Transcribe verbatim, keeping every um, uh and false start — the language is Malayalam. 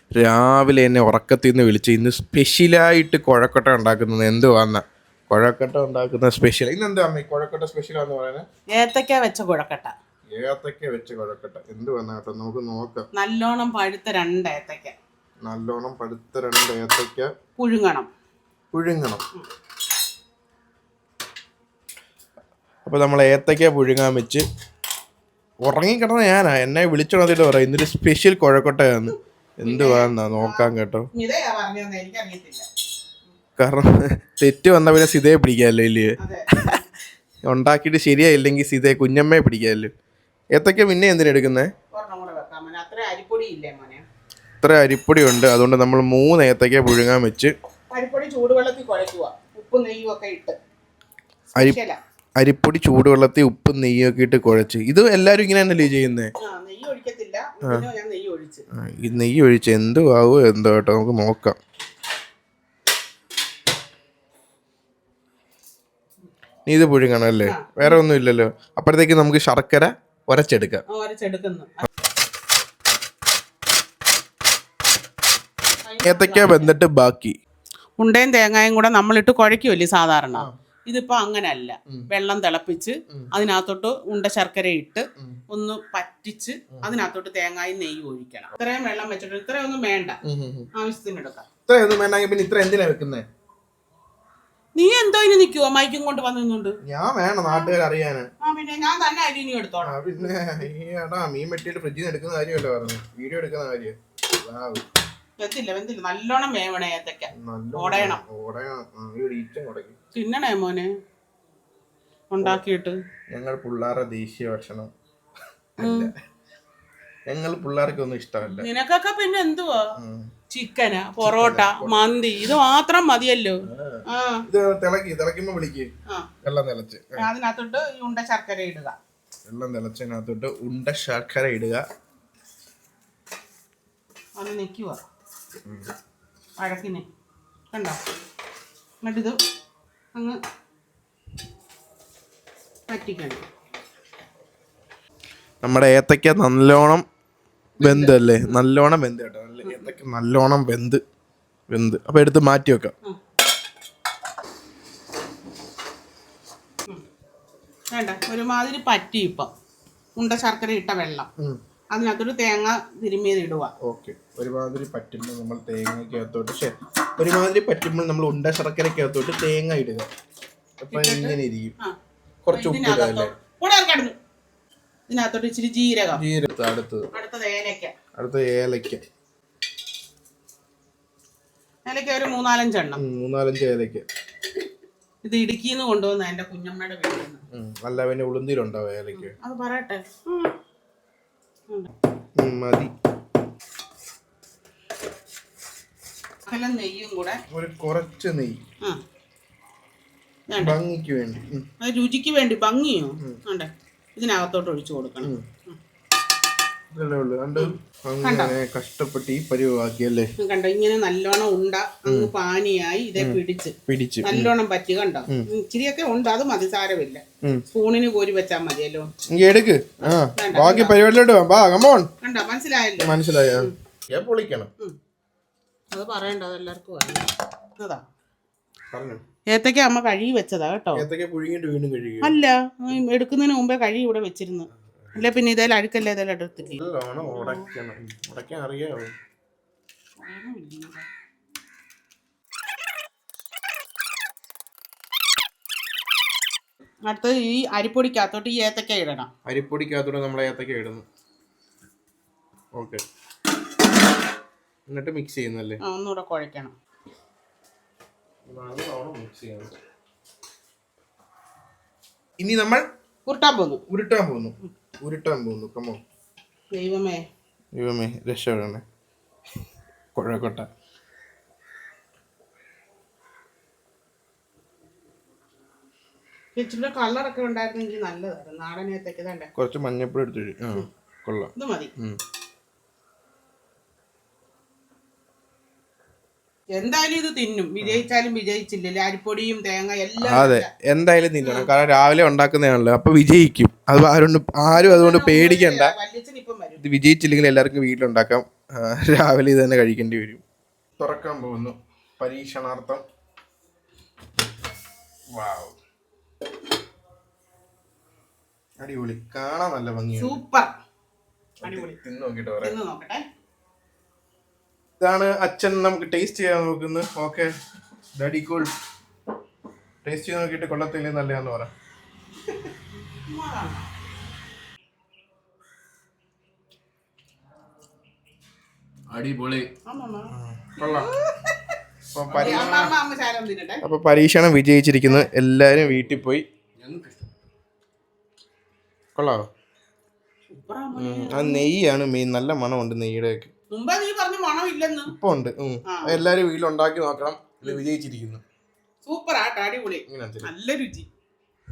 രാവിലെ എന്നെ ഉറക്കത്തിൽ നിന്ന് വിളിച്ച് ഇന്ന് സ്പെഷ്യലായിട്ട് കുഴക്കട്ട ഉണ്ടാക്കുന്നത് എന്തുവാന്ന കുഴക്കട്ട ഉണ്ടാക്കുന്ന സ്പെഷ്യൽ ഇന്ന് എന്താ അമ്മ കുഴക്കട്ട സ്പെഷ്യലാന്ന് പറയുന്നത്? ഏത്തക്ക വെച്ച കുഴക്കട്ട. ഏത്തക്ക വെച്ച കുഴക്കട്ട എന്തുവാന്ന കേട്ടോ, നമുക്ക് നോക്കാം. നല്ലോണം പഴുത്ത രണ്ട് ഏത്തക്ക, നല്ലോണം പഴുത്ത രണ്ട് ഏത്തക്ക പുഴുങ്ങണം പുഴുങ്ങണം അപ്പോൾ നമ്മൾ ഏത്തക്ക പുഴുങ്ങാൻ വെച്ച് ഉറങ്ങിക്കിടന്ന ഞാനാ, എന്നെ വിളിച്ചോണ്ടിട്ട് പറയാം ഇന്നൊരു സ്പെഷ്യൽ കുഴക്കട്ടയാന്ന്. എന്തുവാന്നാ നോക്കാം കേട്ടോ. കാരണം തെറ്റ് വന്ന പിന്നെ സിതയെ പിടിക്കാമല്ലോ ഇല്ലേ, ഉണ്ടാക്കിയിട്ട് ശരിയായില്ലെങ്കിൽ സിതയെ കുഞ്ഞമ്മയെ പിടിക്കാമല്ലോ. ഏത്തക്ക പിന്നെ എന്തിനാ എടുക്കുന്നേ? ഇത്ര അരിപ്പൊടി ഉണ്ട്, അതുകൊണ്ട് നമ്മൾ മൂന്ന് ഏത്തക്ക പുഴുങ്ങാൻ വെച്ച് അരിപ്പൊടി ചൂടുവെള്ളത്തിൽ കുഴയ്ക്കുക, ഉപ്പും നെയ്യും ഒക്കെ ഇട്ട്. അരി അരിപ്പൊടി ചൂടുവെള്ളത്തിൽ ഉപ്പും നെയ്യും ഒക്കെ ഇട്ട് കുഴച്ച്. ഇത് എല്ലാരും ഇങ്ങനെ തന്നെയല്ലേ ചെയ്യുന്നേ? ഈ നെയ്യ് ഒഴിച്ച് എന്തുവാവോ എന്തോ കേട്ടോ, നമുക്ക് നോക്കാം. നീ ഇത് പുഴുങ്ങണം അല്ലേ, വേറെ ഒന്നും ഇല്ലല്ലോ. അപ്പോഴത്തേക്ക് നമുക്ക് ശർക്കര ഉരച്ചെടുക്കാം. ഏത്തക്ക വെന്തിട്ട് ബാക്കി ഉണ്ടയും തേങ്ങായും കൂടെ നമ്മളിട്ട് കുഴയ്ക്കുമല്ലേ സാധാരണ. ഇതിപ്പോ അങ്ങനല്ല, വെള്ളം തിളപ്പിച്ച് അതിനകത്തോട്ട് ഉണ്ട ശർക്കര ഇട്ട് ഒന്ന് പറ്റിച്ച് അതിനകത്തോട്ട് തേങ്ങായും നെയ്യും ഒഴിക്കണം. ഇത്രയും വെള്ളം വെച്ചിട്ട് ഇത്രയൊന്നും വേണ്ട, ആവശ്യത്തിന് എടുക്കാം. ഇത്രയൊന്നും വേണ്ടെങ്കിൽ പിന്നെ ഇത്ര എന്തിനാ വെക്കുന്നേ? നീ എന്തോ ഇനി നിൽക്കുവോ മൈക്കും കൊണ്ട് വന്നുണ്ട്? ഞാൻ വേണം നാട്ടുകാർ അറിയാന്. ആ പിന്നെ ഞാൻ തന്നെ അരി എടുത്തോളാം. പിന്നെ ഏടാ മീൻ വെട്ടിയിട്ട് ഫ്രിഡ്ജിൽ നിന്ന് എടുക്കുന്ന കാര്യമല്ലോ പറഞ്ഞു, വീഡിയോ എടുക്കുന്ന കാര്യം. വെന്തില്ല വെന്തില്ല നല്ലോണം വേവണേ ഏത്തക്ക, ഓടയണം. തിന്നണേ മോനെ ഉണ്ടാക്കിയിട്ട്. ഞങ്ങൾ പിള്ളേരുടെ ദേശീയ ഭക്ഷണം ഞങ്ങൾ പിള്ളേർക്കൊന്നും ഇഷ്ടമല്ല. നിനക്കൊക്കെ പിന്നെ എന്തുവാ, ചിക്കന്, പൊറോട്ട, മന്തി, ഇത് മാത്രം മതിയല്ലോ. തിളക്കുമ്പോ വിളിക്ക്, വെള്ളം തിളച്ച് അതിനകത്തോട്ട് ഉണ്ട ശർക്കര ഇടുക. വെള്ളം തിളച്ചതിനകത്തോട്ട് ഉണ്ട ശർക്കര ഇടുക. അത് നിൽക്കുക വഴക്കിന് കണ്ടോ. എന്നിട്ടിത് അങ്ങ് പറ്റിക്കണം. നമ്മുടെ ഏത്തക്ക നല്ലോണം വെന്തല്ലേ, നല്ലോണം വെന്ത് കേട്ടോ. നല്ല ഏത്തക്ക നല്ലോണം വെന്ത് വെന്ത് അപ്പൊ എടുത്ത് മാറ്റി വെക്കാം. വേണ്ട ഒരുമാതിരി പറ്റി. ഇപ്പം ഉണ്ട ശർക്കര ഇട്ട വെള്ളം അതിനകത്തൊരു തേങ്ങ തിരുമ്മിയത് ഇടുക. ഓക്കെ, ഒരുമാതിരി പറ്റുമ്പോൾ നമ്മൾ തേങ്ങയ്ക്കകത്തോട്ട് ഒരുമാതിരി പറ്റുമ്പോൾ നമ്മൾ ഉണ്ട ശർക്കരക്കകത്തോട്ട് തേങ്ങ ഇടുക. അപ്പൊ ഇങ്ങനെ ഇരിക്കും. കുറച്ച് ഉപ്പ് ഇടാല്ലേ. ഇതിനകത്തോട്ട് ഇച്ചിരി ജീരകം. ജീരകം അടുത്തത് അടുത്തത് ഏലക്ക. അടുത്ത ഏലക്ക. ഏലക്ക ഒരു മൂന്നാലഞ്ചെണ്ണം. മൂന്നാലഞ്ച് ഏലക്ക. ഇത് ഇടുക്കിന്ന് കൊണ്ടുവന്ന എന്റെ കുഞ്ഞമ്മയുടെ വീട്ടിൽ നിന്ന്. അല്ല പിന്നെ ഉളുന്തിയിലുണ്ടാവും ഏലക്ക. അത് പറയട്ടെ മതി. നെയ്യും കൂടെ ഒരു കുറച്ച് നെയ്യ് ഭംഗിക്ക് വേണ്ടി, രുചിക്ക് വേണ്ടി. ഭംഗിയോ വേണ്ടേ, ഇതിനകത്തോട്ട് ഒഴിച്ചു കൊടുക്കണം. കഷ്ടപ്പെട്ട് ഈ പരിവാക്കിയല്ലേ കണ്ടോ. ഇങ്ങനെ നല്ലോണം ഉണ്ട അങ്ങ് പാനിയായി ഇതേ പിടിച്ച് പിടിച്ച് നല്ലോണം പറ്റി. കണ്ടോ ഇച്ചിരിയൊക്കെ ഉണ്ട്, അത് മതി, സാരമില്ല. സ്പൂണിന് കോരി വെച്ചാൽ മതിയല്ലോ. എടുക്ക്, ബാക്കി പരിപാടിയിലോട്ട് കണ്ടോ, മനസ്സിലായല്ലോ. മനസ്സിലായോ? പൊളിക്കണം. അത് പറയണ്ട, അതെല്ലാവർക്കും അതാ. ഏത്തക്ക അമ്മ കഴുകി വെച്ചതാ കേട്ടോ. അല്ല, എടുക്കുന്നതിന് മുമ്പേ കഴുകി ഇവിടെ വെച്ചിരുന്നു. അല്ല പിന്നെ ഇതേലും അഴുക്കല്ലേ, ഇതെല്ലാം എടുത്തില്ലേ. അടുത്ത് ഈ അരിപ്പൊടിക്കകത്തോട്ട് ഈ ഏത്തക്ക ഇടണം. അരിപ്പൊടിക്കകത്തോട്ട് നമ്മൾ ഏത്തക്ക ഇടുന്നു. ഓക്കെ, എന്നിട്ട് മിക്സ് ചെയ്യുന്നല്ലേ. ഒന്നുകൂടെ കുഴക്കണം. ഇനി നമ്മൾ ഉരുട്ടാൻ പോകുന്നു ഉരുട്ടാൻ പോകുന്നു ഉരുട്ടാൻ പോകുന്നു കമോ. ദൈവമേ ദൈവമേ രക്ഷപ്പെടണേ. കുഴക്കട്ട ഇച്ചിരി കളറൊക്കെ ഉണ്ടായിരുന്നെങ്കിൽ നല്ലതായിരുന്നു. നാടൻ ഏത്തക്ക തന്നെ. കുറച്ച് മഞ്ഞപ്പൊടി എടുത്തു. ആ കൊള്ളാം, ഇത് മതി. എന്തായാലും ഇത് തിന്നും, വിജയിച്ചാലും വിജയിച്ചില്ലല്ലേ, അരിപ്പൊടിയും തേങ്ങ എല്ലാം. അതെ, എന്തായാലും തിന്നണം. കാരണം രാവിലെ ഉണ്ടാക്കുന്നതാണല്ലോ, അപ്പൊ വിജയിക്കും. അത് ആരും ആരും അതുകൊണ്ട് പേടിക്കണ്ട. വല്യച്ഛനിപ്പം വരും. ഇത് വിജയിച്ചില്ലെങ്കിൽ എല്ലാവർക്കും വീട്ടിലുണ്ടാക്കാം. ആ, രാവിലെ ഇത് തന്നെ കഴിക്കേണ്ടി വരും. തുറക്കാൻ പോകുന്നു പരീക്ഷണാർത്ഥം. വാവ്, അടിപൊളി, കാണാൻ നല്ല ഭംഗിയാണ്. സൂപ്പർ, അടിപൊളി. തിന്ന് നോക്കിട്ട് പറയാം. തിന്ന് നോക്കട്ടെ. ഇതാണ് അച്ഛൻ നമുക്ക് ടേസ്റ്റ് ചെയ്യാൻ നോക്കുന്നത്. Okay daddy cool. ടേസ്റ്റ് ചെയ്ത് നോക്കിയിട്ട് കൊള്ളത്തില്ലേ നല്ലതാന്ന് പറ. അടിപൊളി. കൊള്ളാം. അമ്മ ശാലം തിന്നട്ടെ. അപ്പൊ പരീക്ഷണം വിജയിച്ചിരിക്കുന്നു. എല്ലാരും വീട്ടിൽ പോയി. കൊള്ളാവോ? ആ നെയ്യാണ് മെയിൻ. നല്ല മണമുണ്ട് നെയ്യുടെ ഒക്കെ. മുമ്പേ നീ പറഞ്ഞു മണമില്ലെന്ന്. ഇപ്പൊ ഉണ്ട്. എല്ലാരും വീട്ടിലുണ്ടാക്കി നോക്കണം. ഇത് വിജയിച്ചിരിക്കുന്നു. സൂപ്പർ ആട്ടോ, അടിപൊളി, നല്ല രുചി.